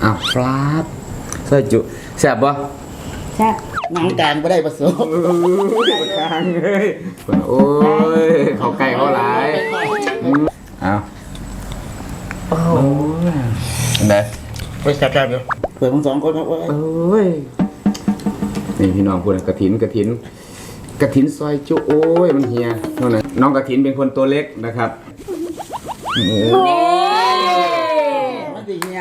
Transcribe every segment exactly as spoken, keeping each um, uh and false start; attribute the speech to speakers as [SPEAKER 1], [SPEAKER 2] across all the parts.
[SPEAKER 1] อ้าวฟลาบซอยจุแซ่บบ่
[SPEAKER 2] แซ่บหนังกลางไม่ได้ผสม
[SPEAKER 1] กลางเฮ้ยโอ้ยเขาไก่เขาหลายอ้าวโอ้ยเด้
[SPEAKER 2] ไปแซ่บๆเดี๋ยวเปิดทั้งสองคนครับโอ้ย
[SPEAKER 1] นี่พี่น้องพูดกระถินกระถินกระถินซอยจุโอ้ยมันเฮียนั่นนะน้องกระถินเป็นคนตัวเล็กนะครับ
[SPEAKER 2] นี่มันดีเฮีย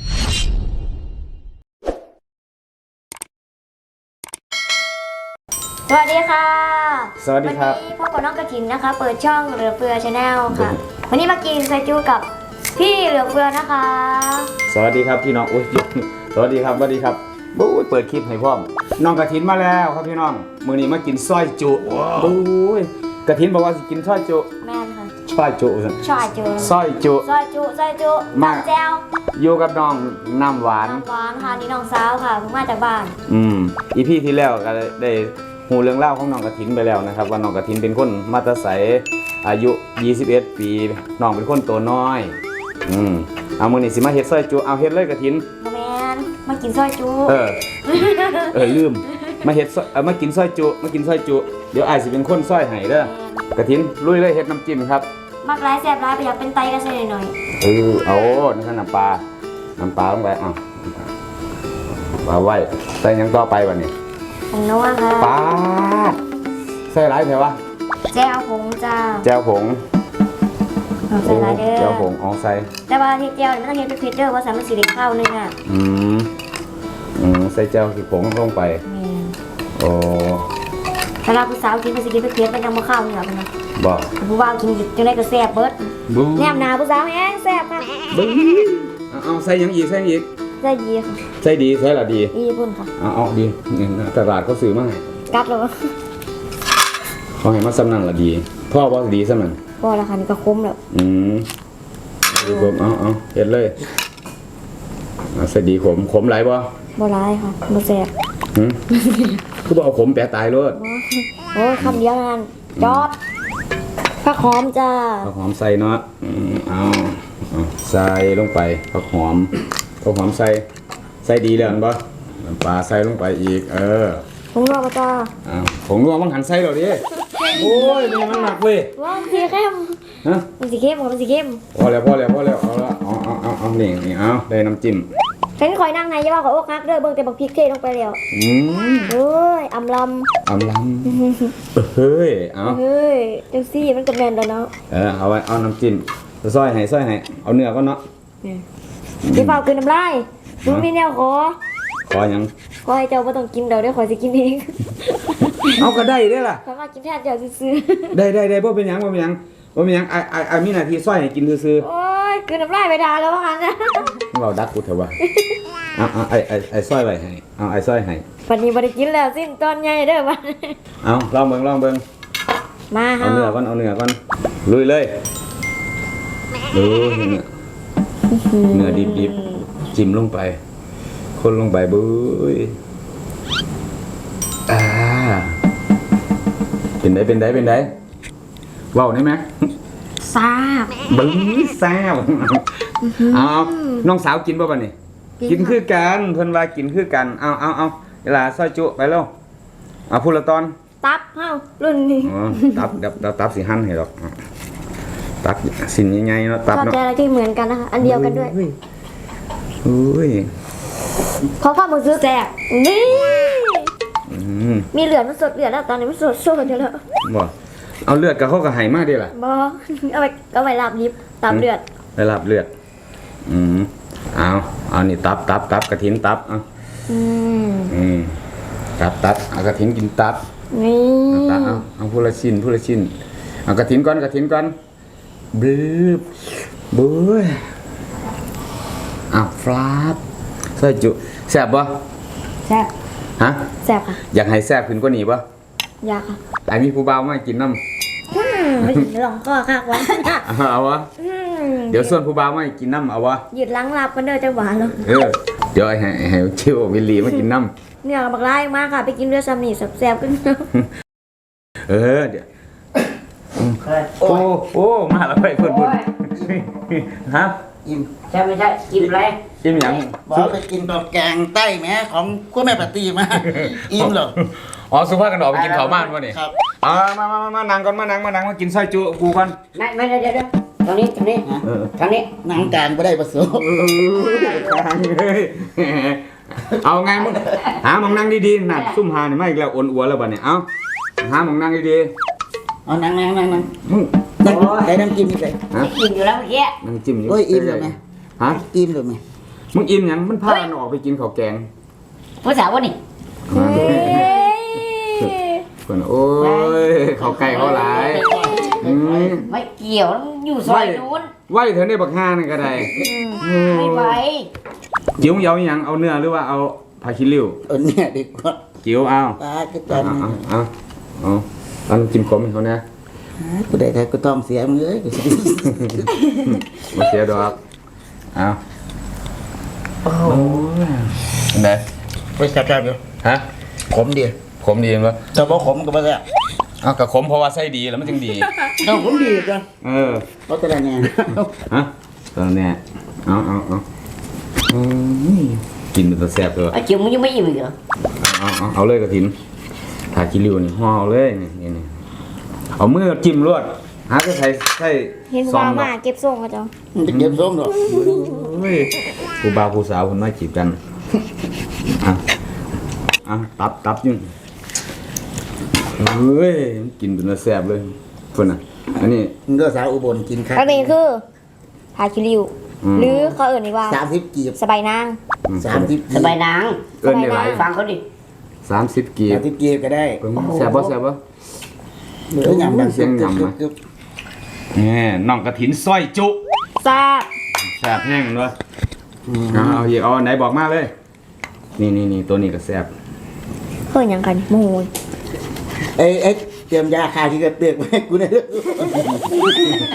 [SPEAKER 3] สวัสดีค่ะ
[SPEAKER 1] สวัสดีครับ
[SPEAKER 3] วันนี้พ่อกับน้องกระถินนะคะเปิดช่องเหลือเฟือชาแนลค่ะวันนี้มากินไซจูกับพี่เหลือเฟือนะคะ
[SPEAKER 1] สวัสดีครับพี่น้องอุ้ยสวัสดีครับสวัสดีครับบู๊เปิดคลิปให้พ่อมน้องกระถินมาแล้วครับพี่น้องมื้อนี้มากินซอยจุบู๊กระถินบอกว่าสิกินซอยจุ
[SPEAKER 3] แม่นค่ะ
[SPEAKER 1] ซอยจุ
[SPEAKER 3] ซอยจุ
[SPEAKER 1] ซอยจุ
[SPEAKER 3] ซอยจุซอยจุมาแจ้ว
[SPEAKER 1] อยู่กับน้องน้ำหวาน
[SPEAKER 3] น้ำหวานค่ะนี่น้องสาวค่ะเพิ่งมาจากบ้าน
[SPEAKER 1] อืมอีพี่ที่แล้วก็ได้หูเรื่องเล่าของน้องกระถินไปแล้วนะครับว่าน้องกระถินเป็นคนมาตาใสอายุยี่สิบเอ็ดปีน้องเป็นคนตัวน้อยอืมเอามื้อนี้สิมาเฮ็ดซอยจุเอาเฮ็ดเลยกระถิน
[SPEAKER 3] แม่นมากินซอยจุ
[SPEAKER 1] เออเออลืมมาเฮ็ดเออมากินซอยจุมากินซอยจุเดี๋ยวอ้ายสิเป็นคนซอยให้เด้อกระถินลุยเลยเฮ็ดน้ำจิ้มครับ
[SPEAKER 3] มักร้ายแซ่บร้ายไปอยากเป็นไตก็ใส่หน่อย
[SPEAKER 1] เออเอานี่คือน้ำปลาน้ำปลาลงไปอ่ะปลาไว้ใส่ยังต่อไปวันนี้
[SPEAKER 3] ผงนัวค่ะ
[SPEAKER 1] ปลาใส่ไรเถอะวะ
[SPEAKER 3] แจ่วผงจ้า
[SPEAKER 1] แจ่วผง
[SPEAKER 3] ใส่ไรเด้อ
[SPEAKER 1] แจ่วผงอ๋อใส่
[SPEAKER 3] แต่ว่าที่แจ่วไม่ต้องเฮ็ดเป็นเผ็ดเด้อเพราะสามารถสีเด็กข้าวนึงอ่ะ
[SPEAKER 1] อืมอืมใส่แจ่วผงลงไปโอ้
[SPEAKER 3] เวลาผู้สาวกินมันสิกินเผ็ดมันยังบ่ข้าวเหนือมันนะ
[SPEAKER 1] บอก
[SPEAKER 3] ผู้บ่าวกินจังได๋ก็แซ่บเบิดแนมหน้าผู้สาวแฮงแซ่บค่ะ
[SPEAKER 1] เอาใส่ยังอีกใส่อีก
[SPEAKER 3] ใส่ดีค่ะ
[SPEAKER 1] ใส่ดีใส่ละดี
[SPEAKER 3] ดีพุ่นค่ะ
[SPEAKER 1] เอาเอาดีตลาดเขาซื้อมาให้
[SPEAKER 3] กัดเลย
[SPEAKER 1] เขาให้มาสำนันละดีพ่อว่าดีสำนัน
[SPEAKER 3] พ่อละค่ะนี่ก็คุ้มแล้ว
[SPEAKER 1] อืมดีขมเอาเอาเฮ็ดเลยใส่ดีขมขมหลายบ่
[SPEAKER 3] บ่หลายค่ะบ่แซ่บ
[SPEAKER 1] หืมคือบ่เอาขมแปะตายเลย
[SPEAKER 3] โอ้ยคำเดียวนั่นจอดผักหอมจ้า
[SPEAKER 1] ผักหอมใส่เนาะเอาเอาใส่ลงไปผักหอมผักหอมใส่ใส่ดีแล้วบ่น้ำปลาใส่ลงไปอีกเออ
[SPEAKER 3] ผงนัวจ้า
[SPEAKER 1] อ้าวผงนัวมันหันใส่แล้วดิโอ้ยนี่มันหนักเว้ย
[SPEAKER 3] ว่ามันสีเข้ม
[SPEAKER 1] ฮะ
[SPEAKER 3] มันสีเข้มมันสีเข้ม
[SPEAKER 1] พอแล้วพอแล้วพอแล้วเอาละเอาเอาเอาเอานี่นี่เอาได้น้ำจิ้ม
[SPEAKER 3] ฉันคอยนั่งในย่าว่าขอโอ๊กฮักเด้อเบิ่งแต่บักพริกเทลงไปแล้ว
[SPEAKER 1] อืม
[SPEAKER 3] เฮ้ยอำล
[SPEAKER 1] ำอำลำเฮ้ยเอา
[SPEAKER 3] เฮ้ยจังซี่มันก็แม่นแล้วเนาะ
[SPEAKER 1] เออเอาไว้เอาน้ำจิ้มซอยให้ซอยให้เอาเนื้อก็เนาะ
[SPEAKER 3] พี่เฝ้ากินน้ำลายดูมีแนวขอ
[SPEAKER 1] ขอยัง
[SPEAKER 3] ขอให้เจ้าไม่ต้องกินเดี๋ยวเดี๋ยวขอจะกินเอง
[SPEAKER 1] เอาก็ได้ได้ล่ะ
[SPEAKER 3] สามารถกินแทนเจ้าซื้อ
[SPEAKER 1] ได้ได้ได้เพราะเป็นยังเพราะเป็นยังเพราะเป็นยังไอไอไอมีหน้าที่ซอยให้กินซื้อ
[SPEAKER 3] โอ้ยกินน้ำลายไปด่าแล้วว่างั้นนะ
[SPEAKER 1] เราดักกูเถอะวะเอาเอาไอไอไอซอยไว้ให้เอาไอซอยให้
[SPEAKER 3] วันนี้บ่ได้กินแล้วสิ้นตอนใหญ่เด้อมัน
[SPEAKER 1] เอาลองเบิ่งลองเบิ่ง
[SPEAKER 3] มา
[SPEAKER 1] เอาเนื้อก่อนเอาเนื้อก่อนลุยเลยดูเนื้อเนื้อดิบๆจิ้มลงไปคนลงไปบุ้ยอ่าเป็นไดเป็นไดเป็นไดว้าวได้ไหม
[SPEAKER 3] ซาบ
[SPEAKER 1] บึ้งซาบเอาน้องสาวกินป่ะบ้านี่กินคือกันเพิ่นว่ากินคือกันเอาเอาเอาเวลาซอยจุไปแล้วเอาพูดละตอน
[SPEAKER 3] ตับเฮารุ่นนี้
[SPEAKER 1] ตับเดี๋ยวตับสิหั่นให้หรอกตับสินใหญ่ๆเนาะตับเนาะ
[SPEAKER 3] แต่อะไรที่เหมือนกันนะคะอันเดียวกันด้วย
[SPEAKER 1] อุ้ย
[SPEAKER 3] เพราะว่ามึงซื้อแจกนี่มีเหลือมันสดเหลือแล้วตอนนี้มันสดสดเยอะแล้ว
[SPEAKER 1] บ่เอาเลือดกับเขาก็หายมากดีล่ะ
[SPEAKER 3] บ่เอาไปเอาไปลาบลิบตับเลือด
[SPEAKER 1] ไปลาบเลือดอืมเอาเอานี่ตับตับตับกระถินตับเอาอืมอืมตับตับเอากระถินกินตับ
[SPEAKER 3] นี่
[SPEAKER 1] ตับเอาเอาพูละชิ้นพูละชิ้นเอากระถินก่อนกระถินก่อนบึ้บบึ้ยอ้าวฟลาบซอยจุแซ่บบ่
[SPEAKER 3] แซ่บ
[SPEAKER 1] ฮะ
[SPEAKER 3] แซ่บค่ะ
[SPEAKER 1] อยากให้แซ่บขึ้นกว่านี้บ่
[SPEAKER 3] อยากค่ะ
[SPEAKER 1] ไอ้มีผู้บ่าวมากินน้ำ
[SPEAKER 3] ไม่ลองก็คักไว้
[SPEAKER 1] เอาวะเดี๋ยวส่วนผู้บ่าวมากินน้ำเอาวะ
[SPEAKER 3] หยุดล้างลาบกันเด้อจังหวะแล้ว
[SPEAKER 1] เออเดี๋ยวไอ้ให้ชิววิลลี่มากินน้
[SPEAKER 3] ำเนี่ยบักไล่มากค่ะไปกินเรือซามิแซ่บๆกัน
[SPEAKER 1] เออเดี๋ยวโอ้โอ้มาแล้วไปเพื่อนๆฮะ
[SPEAKER 2] อิ่ม
[SPEAKER 4] ใช่ไม่ใช่กินอะไร
[SPEAKER 1] อิ่มหยัง
[SPEAKER 2] บอกไปกินกับแกงใต้แม่ของคุณแม่ปฏิมาอิ่มเหรอ
[SPEAKER 1] อ๋อสุภาพกันออกไปกินข้าวบ้านวะนี่
[SPEAKER 2] ครับ
[SPEAKER 1] อ่ามามามามานั่งก่อนมานั่งมานั่งมากินซอยจุกูก่อน
[SPEAKER 4] ไม่ไม่เดี๋ยวเดี๋ยวเดี๋ยวตรงนี้ตรงนี้
[SPEAKER 1] เออ
[SPEAKER 4] ทางนี้
[SPEAKER 2] นางการไม่ได้ประสบ
[SPEAKER 1] ทางเลยเอาไงมึงหาหมองนั่งดีๆน่ะซุ่มหานี่ไม่อีกแล้วอ่อนอัวแล้วบัดเนี่ยเอาหาหมองนั่งดี
[SPEAKER 2] เอานั่งนั่งนั่งนั่ง
[SPEAKER 1] ๆมึง
[SPEAKER 2] นั่งได้น้ำจิ้มนี่ใส่
[SPEAKER 1] ฮะ
[SPEAKER 4] กินอยู่แล้วเมื่อกี้
[SPEAKER 1] นั่งจิ้มอยู่
[SPEAKER 2] โอ้ยอิ่มเลยไหม
[SPEAKER 1] ฮะ
[SPEAKER 2] อิ่มเลยไหม
[SPEAKER 1] มึงอิ่มหยังมันพากันออกไปกินข้าวแกง
[SPEAKER 4] ผู้สาววะนี่
[SPEAKER 3] เฮ้ย
[SPEAKER 1] เพิ่นโอ้ยข้าวไก่ข้าวหลายอืม
[SPEAKER 4] ไม่เกี่ยวอยู่ซอยนู้น
[SPEAKER 1] ไหวเถอะในบักฮานี่ก็ได้
[SPEAKER 4] ไม่ไหว
[SPEAKER 1] จิ้วเหยาหยังเอาเนื้อหรือว่าเอาผักขี้ริ้ว
[SPEAKER 2] เออเนี่ยดีกว่า
[SPEAKER 1] จิ้วเอา
[SPEAKER 2] ตาก็ต
[SPEAKER 1] เอา
[SPEAKER 2] อน
[SPEAKER 1] เอาเอาเอาเอาน้ำจิ้มขมให้เขานะ
[SPEAKER 2] กูได้แต่กูต้องเสียมึงเอ้ย
[SPEAKER 1] มาเสียดอกเอาโอ้ยไหน
[SPEAKER 2] ไปจับจับอยู่
[SPEAKER 1] ฮะ
[SPEAKER 2] ขมดี
[SPEAKER 1] ขมดีมั้ย
[SPEAKER 2] แต่บ่ขมก็บ่ได้
[SPEAKER 1] เอากระขมเพราะว่าไส้ดีแล้วมันจึงดี
[SPEAKER 2] เอาขมดีจ้ะ
[SPEAKER 1] เออ
[SPEAKER 2] เพราะแต่ละเนี่ย
[SPEAKER 1] ฮะตอนเนี้ยเอาเอาเอาอืมกินเป็นตัวแซ่บเลย
[SPEAKER 4] ไอ้จิ๋วมึงยังไม่อิ่มอีกเหรอ
[SPEAKER 1] เอาเอาเอาเลยกระถินถากิริวนี่ห่อเอาเลยนี่นี่นี่เอามือจิ้มรวดหาจะใส่ใส่
[SPEAKER 3] เห็น
[SPEAKER 1] ซอ
[SPEAKER 3] ว่าง
[SPEAKER 1] ดอ
[SPEAKER 3] มาก เก็บส่งก็จ้ะ
[SPEAKER 2] มันจะเก็บส้มหรอก
[SPEAKER 1] เฮ้ยผู้บ่าวผู้สาวคนมาจีบกันอ่ะอ่ะตับตับอยังเฮ้ยกินเป็นตัวแซ่บเลยเพื่อนอ่ะอันนี้
[SPEAKER 2] มึงก็สาวอุบลกินครับ
[SPEAKER 3] อันนี้คือพาคิริว
[SPEAKER 1] อืม
[SPEAKER 3] หรือเขาเอื่นว่า
[SPEAKER 2] สามสิบกีบ
[SPEAKER 3] สบายนาง
[SPEAKER 2] สามสิบ
[SPEAKER 4] สบายนาง
[SPEAKER 1] เอิ้นได้หลาย
[SPEAKER 4] ฟังเขาดิ
[SPEAKER 1] สามสิบกี
[SPEAKER 2] สา
[SPEAKER 1] บ
[SPEAKER 2] มสิบกีบก็ได้
[SPEAKER 1] เบิ่งแซ่บบ่แซ่บบ่
[SPEAKER 2] หรือหยำดัง
[SPEAKER 1] เสียงหยำนะ
[SPEAKER 2] กึบ
[SPEAKER 1] นี่น้องกระถินซอยจุ
[SPEAKER 3] แซ่บ
[SPEAKER 1] แซ่บแห้งเลยเอาเอาอีกเอาอันไหนบอกมาเลย นี่นี่นี่ตัวนี้ก็แซ่บ
[SPEAKER 3] เพิ่นหยังกันโมูย
[SPEAKER 2] เอ้ยเอ้ยเตรียมยาคาที่กระเตือกไว้ให้กูหน่อยเด้อ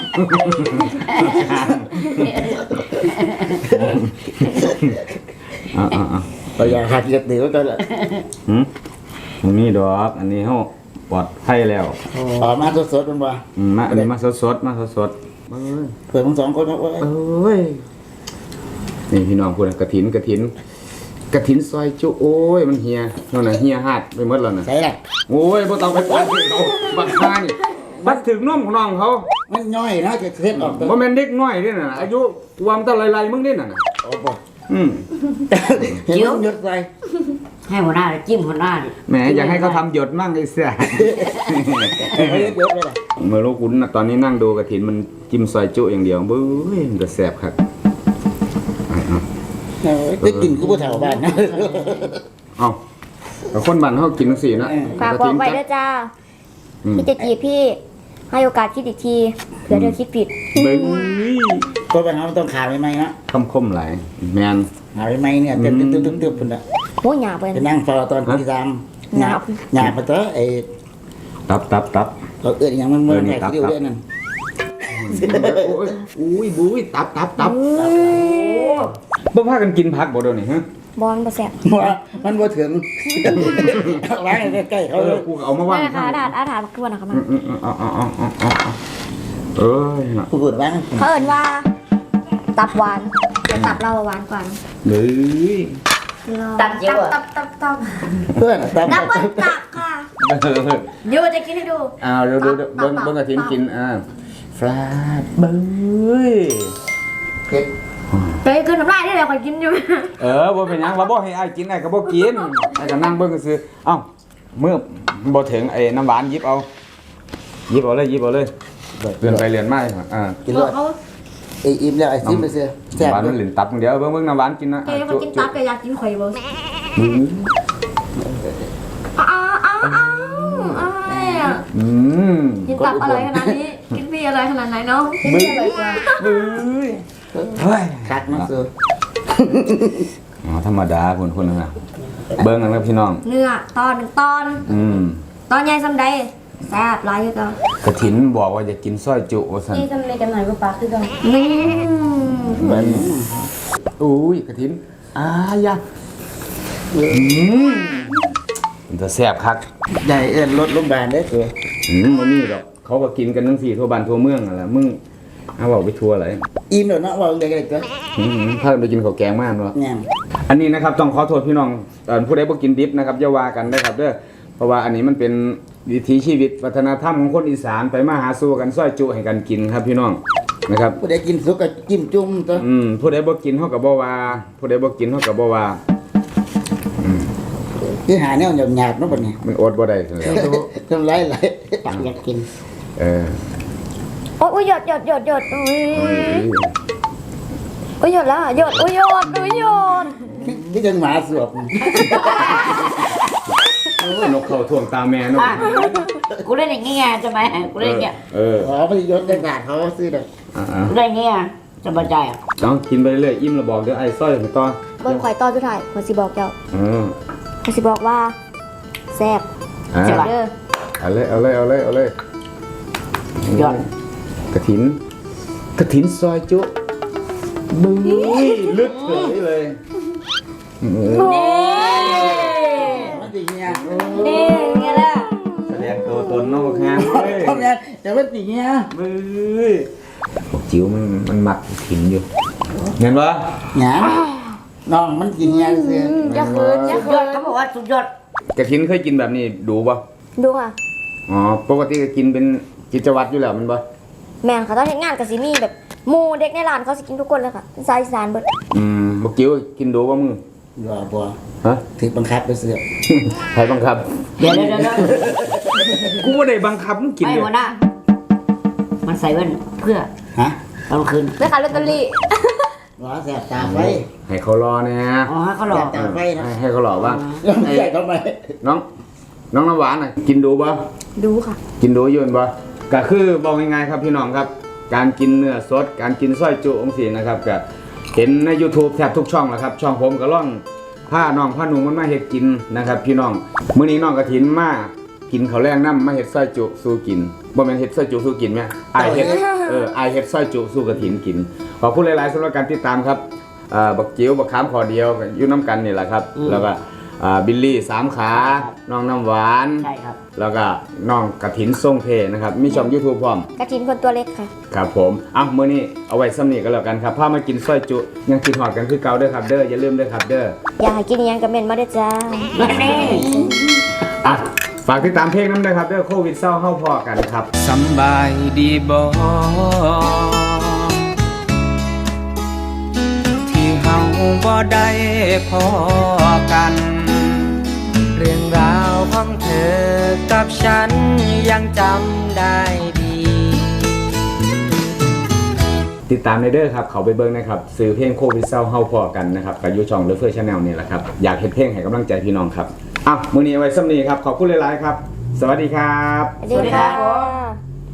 [SPEAKER 1] เอาเอาเอา
[SPEAKER 2] เอายาคาที่กระเตือกไว้ก่อนละ
[SPEAKER 1] หืมมันมีดอก อันนี้เฮาปลอดภัยแล้ว
[SPEAKER 2] ออกมาสดๆมันบ่
[SPEAKER 1] อืมมาอันนี้มาสดๆมาสดๆเอ้ย
[SPEAKER 2] เผื่อมึงสองคนเอาไว้
[SPEAKER 1] เอ้ยนี่พี่น้องพูดนะกระถินกระถินกระถินซอยจุโอ้ยมันเฮียนั่นน่ะเฮียหาดไปหมดแล้วน่ะ
[SPEAKER 2] ใส่ละ
[SPEAKER 1] โอ้ยบ่ต้องไปปานเขาบักคานี่บัดถึงนมของน้องเขา
[SPEAKER 2] มันย่อยนะจะเท็ดออกตัว
[SPEAKER 1] บ่แม่นเด็กน้อยเด้น่ะอายุรวมตั้งหลายๆมึงเด้น่ะน่ะ
[SPEAKER 2] โอ้บ่
[SPEAKER 1] อืม
[SPEAKER 2] เห็นมันหยดใส่
[SPEAKER 4] ให้หัวหน้าจิ้มหัวหน้าดิ
[SPEAKER 1] แหมอยากให้เขาทำหยดมั่งไอ้เสีย
[SPEAKER 2] เอาหยดๆไปละ
[SPEAKER 1] เมื่อลูกคุณน่ะตอนนี้นั่งดูกระถินมันจิ้มซอยจุอย่างเดียวเบ้ยมันจะแสบครับเอา
[SPEAKER 2] เออได้กินกูบ่เฒ่าบ้านนะ
[SPEAKER 1] เอาแต่คนบ้านเขากินจังซี่นะ
[SPEAKER 3] ฝากบอกไว้ด้วยจ้า
[SPEAKER 1] อืม
[SPEAKER 3] พี่จะจีบพี่ ให้โอกาสคิดอีกทีเผื่อเธอคิดผิด
[SPEAKER 1] เบ้ย
[SPEAKER 2] ก็ไปหามันต้องขาใหม่ๆนะ
[SPEAKER 1] คำคมหลายแมน
[SPEAKER 2] ขาใหม่ๆเนี่ยเตึ๊บๆๆๆพุ่นน่ะ
[SPEAKER 3] โอ้ยหยาบเลย
[SPEAKER 2] ไปนั่งเฝ้าตอนตีสามหยาบหยาบมาเถอะไอ้
[SPEAKER 1] ตับตับตับ
[SPEAKER 2] เราเอื้อนอย่างมันมัน
[SPEAKER 1] เออนี่
[SPEAKER 2] แค่
[SPEAKER 1] ตับ
[SPEAKER 2] ที่เดียว
[SPEAKER 1] ตับ
[SPEAKER 2] เด้นั่น
[SPEAKER 1] โอ้ยอุ้ยบุ้ยตับตับตับบ่พากันกินผักบ่เดี๋ยวนี้ฮะ
[SPEAKER 3] บอลบ่แซ่บ
[SPEAKER 2] ว่ามันบ่ถึงเอาไว้ใกล้ๆ
[SPEAKER 1] เอ
[SPEAKER 2] เขาเล
[SPEAKER 1] อย กูก็เอามา
[SPEAKER 3] นั่
[SPEAKER 1] ว่าง
[SPEAKER 3] นนะคะอาถาดอาถาดคือวันนะคะมา
[SPEAKER 1] อืมอืมอืมเอาเอาเอาเอาเอาเอาเอ้ยน่ะ
[SPEAKER 2] กูพูดว่า
[SPEAKER 3] เขาเอ่นว่า ตับหวานแต่ตับเราหวานกว่า
[SPEAKER 1] เบ้ย
[SPEAKER 4] ตับเจียว
[SPEAKER 3] ตั
[SPEAKER 4] อ่ะ
[SPEAKER 3] บตับตับ
[SPEAKER 2] เพื่อนตาม
[SPEAKER 3] ตับเบิ้ลตับค่ะ เดี๋ยวจะกินให้ดู
[SPEAKER 1] อ้าวเดี๋ยวเดี๋ยวเดี๋ยวเบิ้งเบิ้งกระถินกินอ่าฟลาดเบ้ย
[SPEAKER 2] เผ็ด
[SPEAKER 3] ไปกินน้ำลายได้แล้วคอยกินอยู่
[SPEAKER 1] เออบ่เป็นหยังว่าบ่ให้อ้ายกินอ้ายก็บ่กินอ้ายก็นั่งเบิ่งซื่อๆเอ้าเมื่อบ่ถึงไอ้น้ำหวานหยิบเอาหยิบเอาเลยหยิบเอาเลยเลื่อนไปเลื่อนมาเลยอ่า
[SPEAKER 2] กินเลยไอ้อิ่มแล้วไอ้ซิมไปเสียแซ่บ
[SPEAKER 1] น้ำหวานมันเหลินตับเดียวเบิ่งเบิ่งน้ำหวานกินนะ
[SPEAKER 3] เจ๊เขากินตับแต่อยากกินข่อยเบิ้ง
[SPEAKER 1] อืม
[SPEAKER 3] อ้าวอ้าวอ้าวอ้าว
[SPEAKER 1] อืม
[SPEAKER 3] กินตับอะไรขนาดนี้ กินพี่อะไรขนาดไหนเนาะกินพี่อะไรกว่า
[SPEAKER 1] เบ้ยเฮ้ย
[SPEAKER 2] คักมาเสือ
[SPEAKER 1] อ๋อธรรมดาคนคนนึงอ่ะเบิ่งกันครับพี่น้อง
[SPEAKER 3] เนื้อตอนหนึ่งตอน
[SPEAKER 1] อืม
[SPEAKER 3] ตอนใหญ่สำใดแซ่บหลายคือเกัน
[SPEAKER 1] กระถินบอกว่าจะกินซอยจุว่าซั่น
[SPEAKER 3] นี่สำใดกันหน่อยก็ปลาคือเกันนี่
[SPEAKER 1] มันอุ้ยกระถินอายะอืมมันจะแซ่บคัก
[SPEAKER 2] ใหญ่เอิ้นรถโรงพยาบาลได้อเสือ
[SPEAKER 1] อืมมันมีดอกเขาก็กินกันทั้งสี่ทั่วบ้านทั่วเมืองนั่นแหละมึงเอาบอกไปทัวร์อะไร
[SPEAKER 2] อิ่มแล้วเนาะว่าเด็กๆก็
[SPEAKER 1] อืมถ้าไปกินข้าวแกงมากเนาะ
[SPEAKER 2] แง่ม
[SPEAKER 1] อันนี้นะครับต้องขอโทษพี่น้องเอ่อผู้ใดบ่กินดิบนะครับอย่าว่ากันนะครับเด้อเพราะว่าอันนี้มันเป็นวิถีชีวิตวัฒนธรรมของคนอีสานไปมาหาสู่กันซอยจุให้กันกินครับพี่น้องนะครับ
[SPEAKER 2] ผู้ใดกินสุกก็จิ้มจุ่มตัว
[SPEAKER 1] อืมผู้ใดบ่กินเฮาก็บ่ว่าผู้ใดบ่กินเฮาก็บ่ว่า
[SPEAKER 2] คือหาแนวหยาบๆเนาะบัดนี้
[SPEAKER 1] มันอดบ่ได้ซั่นแหละ
[SPEAKER 2] ทำไรไหล
[SPEAKER 4] อยากอยากกิน
[SPEAKER 1] เออ
[SPEAKER 3] โอ้ยหยดหยดหยดหยดอุ้ย
[SPEAKER 1] เอ้ย
[SPEAKER 3] อุ้ยหยดแล้วหยดอุ้ยหยดอุ้ยหยด
[SPEAKER 2] ที่จังหมาสวบ
[SPEAKER 1] โอ้ยนกเข้าท่วงตาแม่เนาะ
[SPEAKER 4] อ่ะกูเล่นอย่างเงี้ยใช่ไหมกูเล่นอย่างเงี้ย
[SPEAKER 1] เออ
[SPEAKER 2] อ๋อพยศได้กาดเขาซื้อเด้อ
[SPEAKER 1] อ่า
[SPEAKER 4] กูเล่นอย่างเงี้ยสบายใจอ่ะ
[SPEAKER 1] ๆเอากินไปเรื่อยๆอิ่มแล้วบอกเดี๋ยวไอ้ซอยให้ต่อ
[SPEAKER 3] เบิ่งข่อยตอนสุดท้ายข่อยสิบอกเจ้า
[SPEAKER 1] เออ
[SPEAKER 3] ข่อยสิบอกว่าแซ่บ
[SPEAKER 1] อ่า
[SPEAKER 3] แซ่บเด้อ
[SPEAKER 1] เอาเลยเอาเลยเอาเลยเอาเลย
[SPEAKER 4] ยอด
[SPEAKER 1] กระถินกระถินซอยจุบึ้ยลึกเลยเลยเออ
[SPEAKER 3] นี่
[SPEAKER 2] มันสิเงี้ย
[SPEAKER 3] นี่ไงล่ะ
[SPEAKER 1] แสดงตัวตนเนอกงานเว้ย
[SPEAKER 2] ทำไงแต่มันสิเงี้ย
[SPEAKER 1] บึ้ยบอกจิ๋วมันมันหมักถินอยู่เห็นปะ
[SPEAKER 2] หยาน้องมันสิเงี้ยซื่อ
[SPEAKER 3] อย่าคืนอย่า
[SPEAKER 4] สุด
[SPEAKER 3] คื
[SPEAKER 4] ยอด
[SPEAKER 3] น
[SPEAKER 4] เขาบอกว่าสุดยอด
[SPEAKER 1] กระถินเคยกินแบบนี้ดูปะ
[SPEAKER 3] ดูค่ะ
[SPEAKER 1] อ๋อปกติก็กินเป็นกิจวัตรอยู่แล้วมันปะ
[SPEAKER 3] แม่นค่ะตอนเฮ็ดงานก็สิมีแบบหมู่เด็กในร้านเขาสิกินทุกคนเลยค่ะเป็นสายอีสานเบิด
[SPEAKER 1] อืมบอกจิ๋วกินดูปะมึง
[SPEAKER 2] บ่บ่
[SPEAKER 1] ฮะ
[SPEAKER 2] ถือบังคับไปซื้อ
[SPEAKER 1] ใครบังคับ
[SPEAKER 4] เดี๋ยวเดี๋ยวเดี๋ยวเดี๋ยว
[SPEAKER 1] กูว่าได้บังคับมึงกิน
[SPEAKER 4] ไอ้
[SPEAKER 1] เนี่ย
[SPEAKER 4] หัวหน้ามันใส่แว่นเพื่อ
[SPEAKER 2] ฮะ
[SPEAKER 4] ตอนคืน
[SPEAKER 3] ไปขายลอตเตอรี่
[SPEAKER 2] บ่แสบตาไฟ
[SPEAKER 1] ให้เขารอเนี่ย
[SPEAKER 4] อ๋อให้เขาหล
[SPEAKER 2] แส
[SPEAKER 4] อก
[SPEAKER 2] บตาไฟนะ
[SPEAKER 1] ให้ให้เขารอบ้าง
[SPEAKER 2] แล้วมันใส่ทำไม
[SPEAKER 1] น้อง น้องน้ำหวานน่ะกินดูปะ
[SPEAKER 3] ดูค่ะ
[SPEAKER 1] กินดูอยืนบ่ก็คือบอกง่ายๆครับพี่น้องครับ การกินเนื้อสด การกินส้อยจุองสีนะครับก็เห็นใน YouTube แทบทุกช่องแหละครับ ช่องผมก็ล่องผ้าน้องผ้าหนุ่มมันมาเฮ็ดกินนะครับ พี่น้องมื้อนี้น้องกระถินมากินข้าวแรงน้ำมาเฮ็ดส้อยจุสู้กินบ่แม่นเฮ็ดส้อยจุสู้กินแม่อายเฮ็ดเอออายเฮ็ดส้อยจุสู้กระถินกินขอบคุณหลายๆสำหรับการติดตามครับเอ่อบักจิ๋วบักขามขอเดียวก็อยู่น้ำกันนี่แหละครับแล้วก็อ่าบิลลี่สามขาน้องน้ำหวาน
[SPEAKER 4] ใช่ครับ
[SPEAKER 1] แล้วก็น้องกระถินทรงเพนะครับ มีช่อง YouTube พร้อม
[SPEAKER 3] กระถินคนตัวเล็กค่ะ
[SPEAKER 1] ครับผมอ่ะมื้อนี้เอาไว้ซ้ำนี้ก็แล้วกันครับพามากินซอยจุ ยังกินหอดกันคือเก่าเด้อครับเด้ออย่าลืมเด้อครับเด้อ
[SPEAKER 3] อยากให้กินอิหยังกับเม่นมาเด้อจ้า
[SPEAKER 4] นี่
[SPEAKER 1] อ่ะฝากติดตามเพลงน้ำด้วยครับเด้อโควิดเศร้าเฮาพอกันครับสำบายดีบ่ที่เฮาบ่ได้พอกัน เรื่องราวของเธอกับฉันยังจำได้ดี ติดตามในเด้อครับ เขาไปเบิ่งนะครับซื้อเพลงโควิดเศร้าเฮาพอกันนะครับกับยูช่องเลเฟอร์ชาแนลนี่แหละครับ อยากเห็นเพลงให้กำลังใจพี่น้องครับอ่ะมื้อนี้เอาไว้ซ้ำนี้ครับ ขอบคุณหลายๆครับ สวัสดีครับ
[SPEAKER 3] สวัสดีค่ะ